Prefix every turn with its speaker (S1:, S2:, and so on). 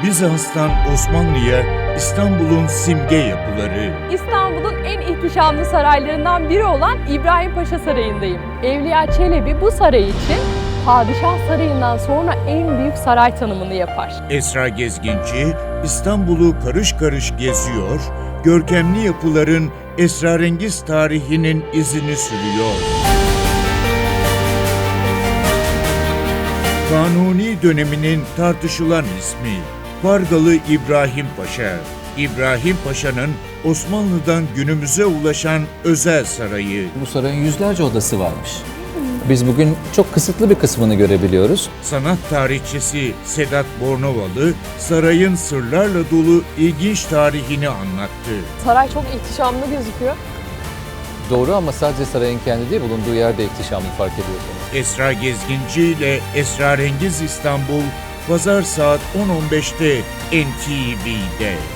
S1: Bizans'tan Osmanlı'ya İstanbul'un simge yapıları.
S2: İstanbul'un en ihtişamlı saraylarından biri olan İbrahim Paşa Sarayı'ndayım. Evliya Çelebi bu saray için Padişah Sarayı'ndan sonra en büyük saray tanımını yapar.
S1: Esra Gezginci İstanbul'u karış karış geziyor, görkemli yapıların esrarengiz tarihinin izini sürüyor. Kanuni döneminin tartışılan ismi Vargalı İbrahim Paşa. İbrahim Paşa'nın Osmanlı'dan günümüze ulaşan özel sarayı.
S3: Bu sarayın yüzlerce odası varmış. Biz bugün çok kısıtlı bir kısmını görebiliyoruz.
S1: Sanat tarihçisi Sedat Bornovalı, sarayın sırlarla dolu ilginç tarihini anlattı.
S2: Saray çok ihtişamlı gözüküyor.
S3: Doğru ama sadece sarayın kendi değil, bulunduğu yerde ihtişamlı fark ediyorsunuz.
S1: Esra Gezginci ile Esrarengiz İstanbul, Pazar saat 10.15'te NTV'de.